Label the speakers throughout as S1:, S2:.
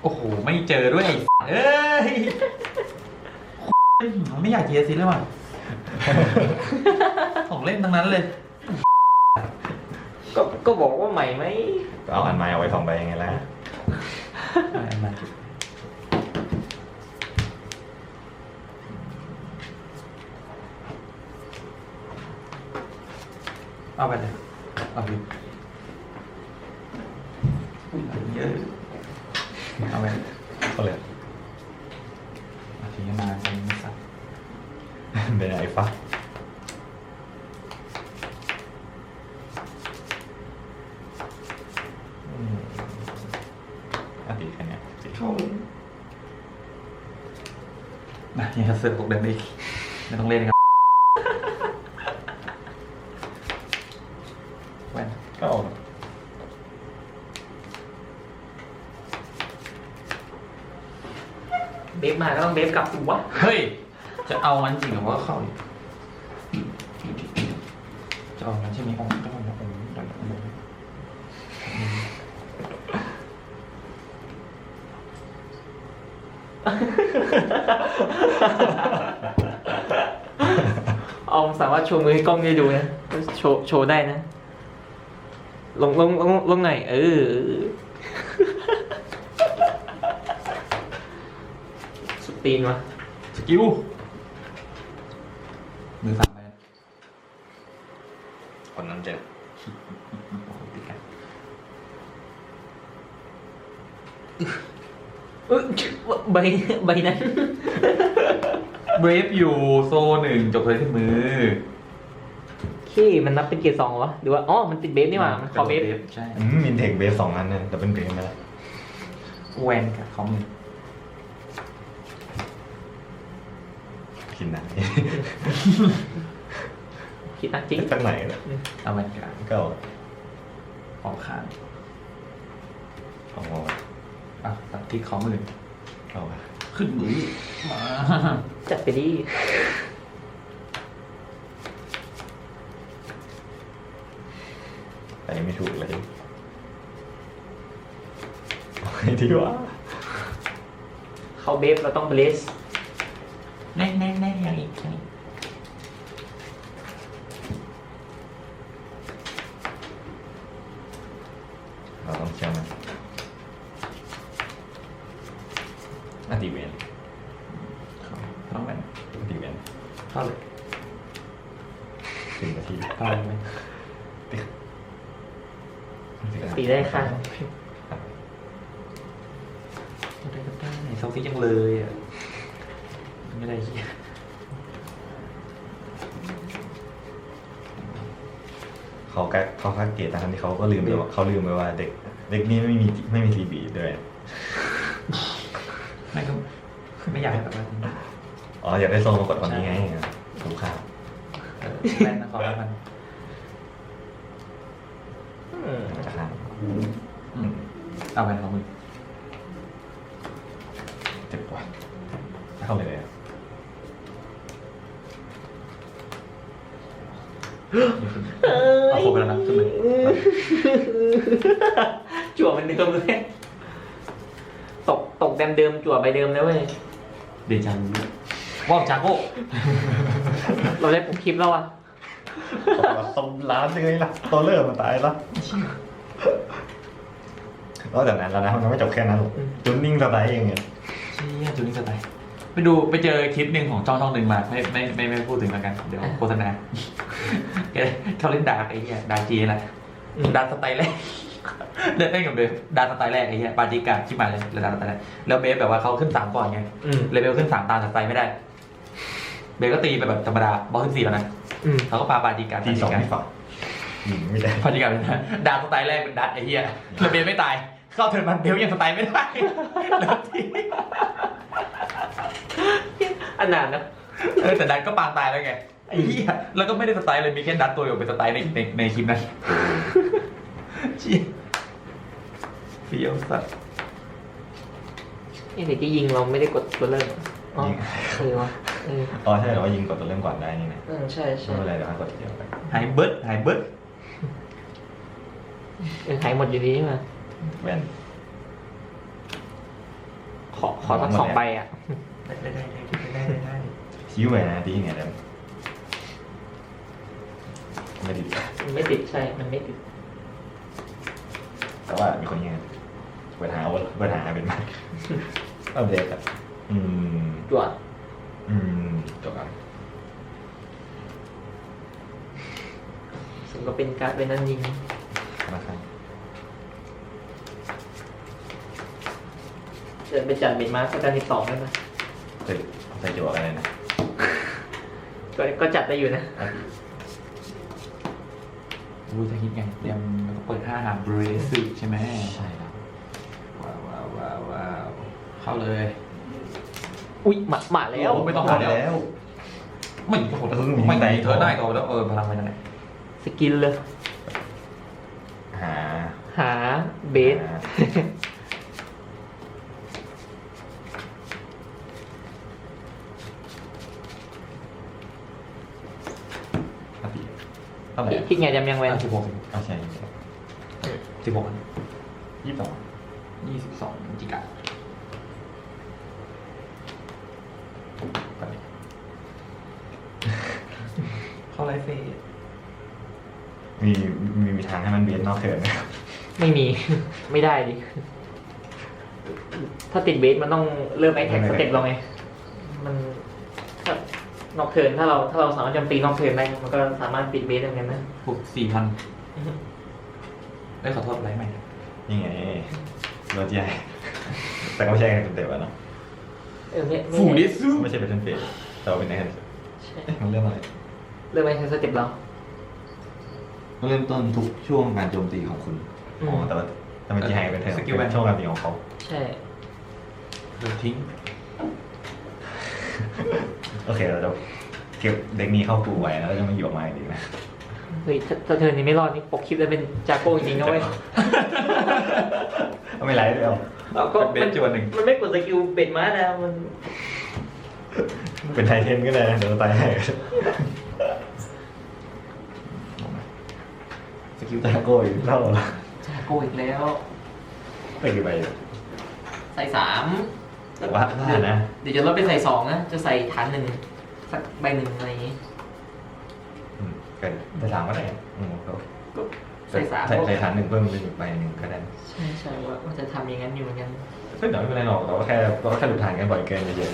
S1: โอ้โหไม่เจอด้วยเอ้ยไม่อยากเจียสิเลยว่ะของเล่นทั้งนั้นเลย
S2: ก็บอกว่าใหม่ไหม
S3: ก็เอาอันไม้เอาไว้2 ใบยังไงล่ะ
S1: เอาไปเลยเอาไปเยอะเอาไป
S3: ก็เลย
S1: เอาทีมาเป็นสัตว์
S3: เป็นไอ้ฟ้าตีแค่นี้
S1: นะยังจะเสือกตกเดินอีกไม่ต้องเล่นครับแว่น
S3: ก็เอา
S2: เบฟมาก็ต้องเบฟกลับถูกวะ
S1: เฮ้ยจะเอามันจริงหรือว่าเข้าจะเอามันใช่ไหมองค์จะเอาองค์
S2: เอาสามารถโชว์มือให้กล้องได้ดูนะโชว์ได้นะลงไหนสตีนวะ
S1: สกิลมือสั่นไป
S3: คนนั้นเจ็บ
S2: ใบนั้น
S1: เบรฟอยู่โซ1จบเลยที่มือ
S2: ขี้มันนับเป็นเกียร์2วะหรือว่าอ๋อมันติดเบฟนี่หว่ามันขอเบฟ
S1: ใช่
S3: มินเทคเบส2 อันเนี่ยแต่เป็นเบสไปแล้ว
S1: แวนกับของมือ
S3: กินหนัก
S2: คิดนักจริง
S3: สักไหนเลย
S1: เอาแวนกับ
S3: ก็
S1: ออกข้าง
S3: เอา
S1: อ่ะตัดที่ของมือ
S3: เอา
S1: ขึ้นมือมา
S2: จัดไปดิ
S3: ไปไม่ถูกเลยเอาไงดีวะ
S2: เข้าเบฟเราต้องเบส
S1: แน่ยังอีกยังอีก
S3: เราต้องเชื่อมันอันตีเวน
S1: ต้องแวน
S3: อันตีเวน
S1: เข้าเลย
S3: 10 นาที
S1: เข้าเลยไหม
S2: ตีได้ค่ะ
S1: ได้โซฟี่ยังเลยอ่ะไม่ได้เหี้ย
S3: เขาคัดเกตทั้งที่เขาก็ลืมไปว่าเขาลืมไปว่าเด็กนี้ไม่มีซีบีด้วย
S1: ไม่ก็ไม่อยากให้แบบว่า
S3: อ๋ออยากได้โซนมากดตอนนี้ไงถูกข่าว
S1: แวนนะขอแล้วกัน
S3: จะข้าม
S1: เอาแวนของมือ
S3: เจ็บกว่าเข้าเลยเลย
S1: เอาโคไปแล้วนะขึ้นมือ
S2: จั่วมันเดิมเลยตกเดิมจั่วใบเดิมแล้วเว้ย
S1: เดจังว่าวจากโก้
S2: เราได้ปุ๊บคลิปแล้วอ่ะ
S3: ต้มร้านยังไงล่ะตัวเริ่มมาตายแล้วนอกจากนั้นแล้วนะมันไม่จบแค่นั้นหรอกจุนนิ่งสไตล์เองเนี่ย
S1: เชี่ยจูนี่สไตล์ไปเจอคลิปหนึ่งของช่องหนึ่งมาไม่พูดถึงแล้วกันเดี๋ยวโฆษณาเขาเล่นดาร์กไอ้เหี้ยดาร์กจีอะไรดาร์กสไตล์แรกเล่นกับเบฟดาร์กสไตล์แรกไอ้เหี้ยปาจิกาที่มาเลยดาร์กสไตล์แรกแล้วเบฟแบบว่าเขาขึ้น3ก่อนไงเลเวลขึ้น3ตามสไตล์ไม่ได้เบฟก็ตีไปแบบธรรมดาบอลขึ้น4แล้วนะเขาก็ปาจิกา
S3: ที2ไม่ฝังไม่ได้
S1: ปาจิกาเป็นดาร์กสไตล์แรกเป็นดัตไอ้เหี้ยแล้วเบฟไม่ตายเข้าเทิร์นมันเบฟยังสไตล์ไม่ได้แล้วที
S2: อันนั้นนะ
S1: แต่ดัตก็ปางตายแล้วไงไอ้เหี้ยแล้วก็ไม่ได้สไตล์เลยมีแค่ดัตตัวเดียวเป็นสไตล์ในคลิปนั้นเชี่ยเฟี้ยวสัส
S2: นี่เด็กที่ยิงเราไม่ได้กดตัวเริ่มอ๋อวะ
S3: อ๋อใช่เหรอว่ายิงกดตัวเริ่มก่อนได้นี่นะ
S2: ใช่
S3: ไม่เป็นไรเดี๋ยวให้กดทีเดียวไป
S1: หายเบิร์ด
S2: หายหมดอยู่ดีใช่ไหม
S3: แว่น
S2: ขอสัก2 ใบอ่ะ
S1: ได้
S3: ชี้ไว้นะดีไงเดี๋ยวไม่ดี
S2: มันไม่ติดใช่ มันไม่ติด
S3: แต่ว่ามีคนยังปัญหาเป็นมากเอาเด็กอะ
S2: จวด
S3: จบกัน
S2: ซึ่งก็เป็นการ์ดเป็นนั่นยิง
S3: นะครับ
S2: เดินไปจัดเบนมาร์สการ12ได้ไหม
S3: ใส่จวกอะไรนะ
S2: ก็จัดได้อยู่นะ
S1: รู้จะคิดไงเตรียมแล้วก็เปิด5 หางบริเวณสื่อใช่ไหม
S3: ใช่ครับ
S1: ว้าวเข้าเลย
S2: อุ๊ยมาแล้ว
S1: โอ้ไม่ต้อง
S3: หมดแล้ว
S1: ไม่โหด
S3: มี
S1: ไม่
S3: ไหน
S1: เธอได้ก็แล้วพลังไปนั่นแหละ
S2: สกินเลย
S3: หา
S2: หาเบส
S3: เท่าไหร่
S2: คิดไงจำยังไว้
S1: 16
S3: เอาใช่
S1: 16
S3: 22
S1: 22จิกะเข้าไลฟ์เฟส
S3: มีทางให้มันเบียดนอกเถินไหมครับ
S2: ไม่มี ไม่ได้ดิ ถ้าติดเบสมันต้องเริ่มไอแท็กสเต็ปเราไง มันถ้านอกเทิร์นถ้าเราสามารถโจมตีนอกเทิร์นได้มันก็สามารถปิดเบสได้เหมือนกันนะ
S1: 4,000เอ้ยขอโทษไลฟ์ใหม่
S3: นี่ไงรถใหญ่แต่ก็ไม่ใช่กันเต็มๆอะเนาะ
S1: ฟูดิซู
S3: ไม่ใช่เป็นเฟสแต่ว่าเป็นใน
S2: ใช่
S3: มันเริ่มอะไร
S2: เริ่มไอแท็กสเต็ปเรา
S3: เริ่มต้นทุกช่วงการโจมตีของคุณอ๋อแต่ว่าถ้าเป็นจีไฮเป็นเทอร์เป็นช่วงการตีของเขา
S2: ใช่
S1: เดี๋ยวทิ้ง
S3: โอเคเราจะเก็บเด็กนี้เข้าปูไว้แล้วเราจะไม่หยิบออกมาอีกนะ
S2: เฮ้ยถ้าเทิร์นนี้ไม่รอดนี่ปกคลิปจะเป็นจากโก้จริงๆนะเว้ย
S3: ไม่ไรเลยเอา
S2: เอาก็
S1: เป็นเบสจวนหนึ่ง
S2: มันไม่กดสกิลเบ็ดมานะมัน
S3: เป็นไทเทนก็ได้นะเดี๋ยวเราตายให้
S1: สกิล
S3: ตาโก้อีกเท่าไหร่
S2: จากโก้อีกแล้ว
S3: ไปกี่ใบอยู่
S2: ใส่3
S3: แต่ว่านะ
S2: เดี๋ยวจะลดไปใส่2นะจะใส่ฐาน1สักใบ1อะไรอย่างงี้
S3: เกิดแต่สามก็ได้เขา
S2: ก็ใส่3
S3: ใส่ฐานหนึ่งเพิ่มเป็นอีกใบหนึ่งก็ได้
S2: ใช่ว่าจะทำอย่างนั้นอยู่เหมือนกัน
S3: ซึ่งเดี๋ยวไม่เป็นไรหรอกเราก็แค่หลุดฐานกันบ่อยเกินเยอะ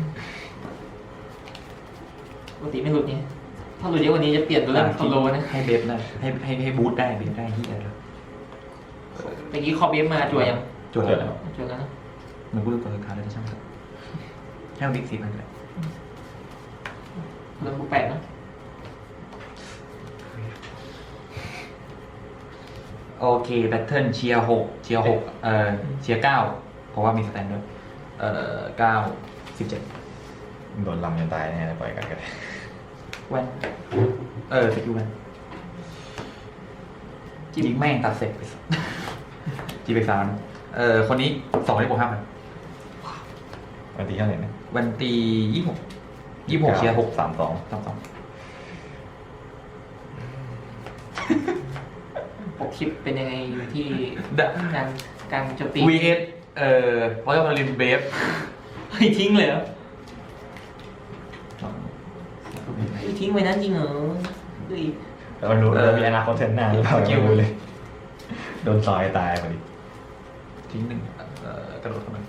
S2: ปกติไม่หลุดไงถ้าหลุดเยอะกว่านี้จะเปลี่ยนตัวเรื่องโซโลนะ
S1: ให้เบฟได้ให้บูทได้เบฟได้ที่อะไร
S2: เมื่อกี้คอเบฟมาจั่วยัง
S1: จวดแล้ว
S2: จั่วแล้วนะ
S1: มันกูรู้ตัวคาร์ดแล้วช่างมันให้มันบิ๊ก4,000เลย
S2: เริ่มบุก8นะ
S1: โอเคแบทเทิลเชียร์6เชียร์6เชียร์9เพราะว่ามีสแตนด้วย9 17
S3: โดนลำจนตายแน่ปล่อยกันก็ได้
S1: แว่นสกิลแว่นยิงแม่งตัดเสร็จไปจีไป3คนนี้2ได้บวก5,000
S3: วันที่เท่าไหร่นะ
S1: วันตี26เชียร์6
S3: 32
S2: ปกคลิปเป็นยังไงอยู่ที่
S1: 32
S2: การโจมตี
S1: VS เพราะว่ามันลินเบฟ
S2: เฮ้ยทิ้งเลยเหรอเฮ้ยทิ้งไว้นั้นจริงเหรอเฮ้ย
S3: เรารู้เรามีอนาคตเทนหน้าหรือเปล่าไม่รู้เลย โดนซอยตายพอดี
S1: ทิ้ง1กระโดดเข้ามา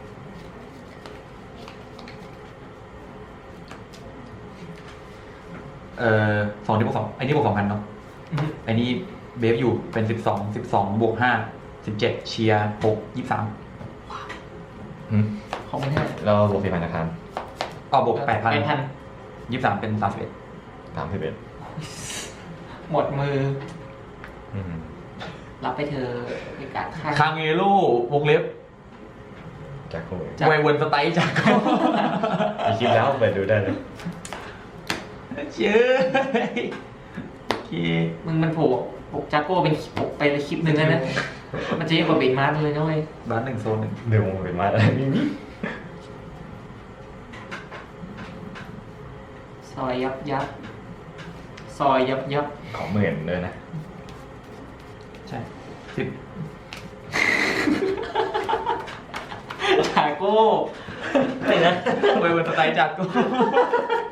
S1: 2ที่บวก2ไอ้นี่บวก 2,000เนาะไอ้นี่เบฟอยู่เป็น12บวก5 17เชียร์6 23
S2: ขอบคุณฮะ
S3: เราบวก4,000นะครับ
S1: บวก 8,000
S2: 8,000
S1: 23เป็น31
S3: 31
S2: หมดมือ รับไปเธอในการฆ่า
S1: คางเอโร่วงเล็บ
S3: จากโค้ย
S1: ไวเวิร์นสไตล์จากก็
S3: มีคลิปแล้วไปดูได้เลย
S1: เชื่อโอเค
S2: มันโผล่ปกจักโก้เป็นปกไปในคลิปหนึ่งแล้วนะ มันจะเยอะกว่าเบนมาร์เลยนะเว้ย
S1: บ้าน1โซน 1
S3: เดี๋ยวมันเป็นมาอะไรนี่
S2: ซอยยับซอยยับ
S3: ของหมื่นเลยนะ
S1: ใช่10
S2: จาก
S1: โก้
S2: ไม่นะ
S1: เวอร์สไตล์จากโก้